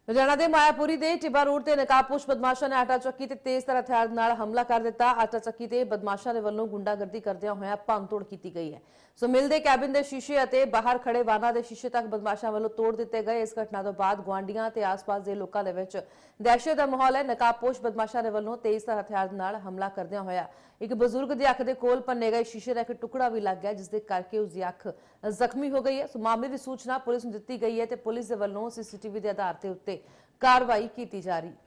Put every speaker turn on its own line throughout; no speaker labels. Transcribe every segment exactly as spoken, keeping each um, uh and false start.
लुधियाना के मायापुरी के टिब्बा रोड से नकाबपोश बदमाशों ने आटा चक्की ते तेज तर हथियार नाल हमला कर दिता। आटा चक्की ते बदमाशों के वल्लों गुंडागर्दी करदियां होया भंन-तोड़ की गई है। सो मिल के कैबिन के शीशे और बाहर खड़े वाहनों के शीशे तक बदमाशों वालों तोड़ दिए गए। इस घटना तो बाद गुआढ़ियों ते आस-पास के लोगों के विच दहशत का माहौल है। नकाबपोश बदमाशों के वल्लों तेज तर हथियार नाल हमला करदियां होया एक बजुर्ग की अख के कोल भन्ने गए शीशे का एक टुकड़ा भी लग गया, जिसके करके उसकी अख जख्मी हो गई है। सो मामले की सूचना पुलिस को दी गई है तो पुलिस के वल्लों सीसीटीवी के आधार के उत्ते कार्रवाई की जा रही।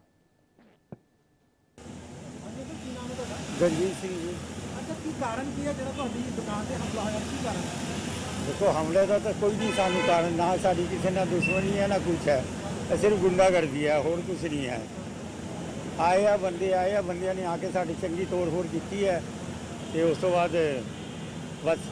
गंजीत सिंह जी।
अच्छा, की कारण की है जो दुकान से हमला होया, की कारण?
देखो हमले का तो कोई नहीं सानू कारण, ना साड़ी किसी ना दुश्मनी है ना कुछ है, सिर्फ गुंडागर्दी है, होर कुछ नहीं है। आए आ बंदे आए आ बंदियां ने आके साड़ी चंगी तोड़ फोड़ की है तो उस तो बाद बस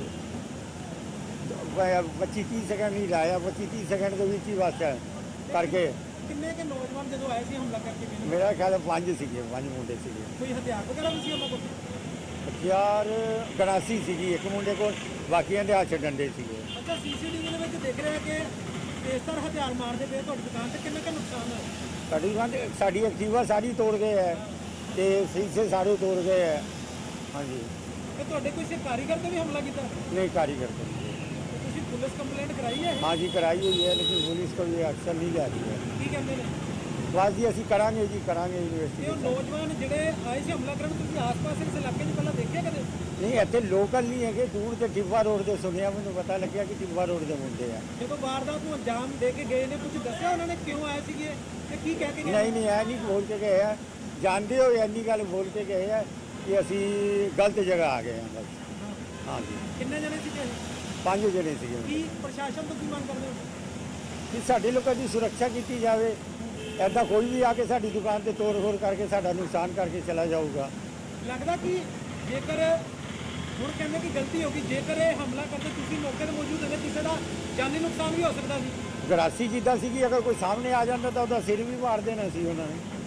पच्ची तीस सेकंड नहीं लाया, पच्ची तीस सेकंड के बीच ही बस है करके।
किन्ने के नौजवान जो आए थे हमला करके गए?
मेरा ख्याल है पांच सीगे, पांच मुंडे सीगे।
कोई हथियार वगैरह भी सी उन्हां कोल?
हथियार गणासी सीगी एक मुंडे को, बाकियां दे हथ डंडे सीगे।
अच्छा, सीसीटीवी ਦੇ ਵਿੱਚ देख रहे हैं कि तेजतर हथियार मारते पे ਤੁਹਾਡੀ दुकान से किन्ने का नुकसान है?
साड़ी दुकान साड़ी एक्टिवा सारी तोड़ गए है तो शीशे सारे तोड़ गए है। हाँ जी।
ਤੇ ਤੁਹਾਡੇ ਕੋਈ ਕਾਰੀਗਰ ਤੇ ਵੀ ਹਮਲਾ ਕੀਤਾ?
नहीं कारीगर को।
ਤੁਸੀਂ ਪੁਲਿਸ ਕੰਪਲੇਂਟ ਕਰਾਈ है?
हाँ जी कराई हुई है, लेकिन पुलिस को ये अक्सर नहीं जा रही है।
ਕੀ ਕਹਿੰਦੇ ਨੇ?
बस जी असं करा जी करा
ਤੇ ਉਹ
यूनिवर्सिटी।
ਨੌਜਵਾਨ ਜਿਹੜੇ ਆਏ ਸੀ ਹਮਲਾ ਕਰਨ, ਤੁਸੀਂ ਆਸ-ਪਾਸ ਇਸ ਇਲਾਕੇ 'ਚ ਪਹਿਲਾਂ ਦੇਖਿਆ ਕਦੇ?
नहीं इतने लोकल नहीं है कि दूर से टिब्बा रोड से सुनिया, मैंने पता लगे कि टिब्बा रोड से मुंडे हैं।
ਜਦੋਂ ਵਾਰਦਾਤ ਨੂੰ ਅੰਜਾਮ ਦੇ ਕੇ ਗਏ ਨੇ, ਕੁਝ ਦੱਸਿਆ ਉਹਨਾਂ ਨੇ ਕਿਉਂ ਆਏ ਸੀਗੇ ਤੇ ਕੀ ਕਹਿ ਕੇ ਗਏ?
नहीं नहीं है नहीं बोल के गए हैं, जानते हो इन्नी गल बोल के गए हैं कि असी गलत जगह आ गए हैं बस। हाँ जी।
ਕਿੰਨੇ ਜਣੇ ਸੀਗੇ?
पांच जने थे
ਕੀ ਪ੍ਰਸ਼ਾਸਨ ਤੋਂ ਕੀ ਮੰਗ ਕਰਦੇ ਹੋ?
कि साढ़े लोगों की सुरक्षा की जाए, ऐसा कोई भी आके साड़ी दुकान से तोड़ फोड़ करके साड़ा नुकसान करके चला जाऊगा।
ਲੱਗਦਾ ਕਿ ਜੇਕਰ ਹੁਣ ਕਹਿੰਦੇ ਕਿ ਗਲਤੀ ਹੋ ਗਈ, ਜੇਕਰ ਇਹ ਹਮਲਾ ਕਰਦੇ ਤੁਸੀਂ ਮੌਕੇ ਤੇ ਮੌਜੂਦ ਹੁੰਦੇ, ਕਿਸੇ ਦਾ ਜਾਨੀ ਨੁਕਸਾਨ ਵੀ ਹੋ ਸਕਦਾ ਸੀ।
ਗਰਾਸੀ ਜਿੱਦਾਂ ਸੀਗੀ, ਅਗਰ ਕੋਈ ਸਾਹਮਣੇ ਆ ਜਾਂਦਾ ਤਾਂ ਉਹਦਾ ਸਿਰ ਵੀ ਮਾਰ ਦੇਣਾ ਸੀ ਉਹਨਾਂ ਨੇ।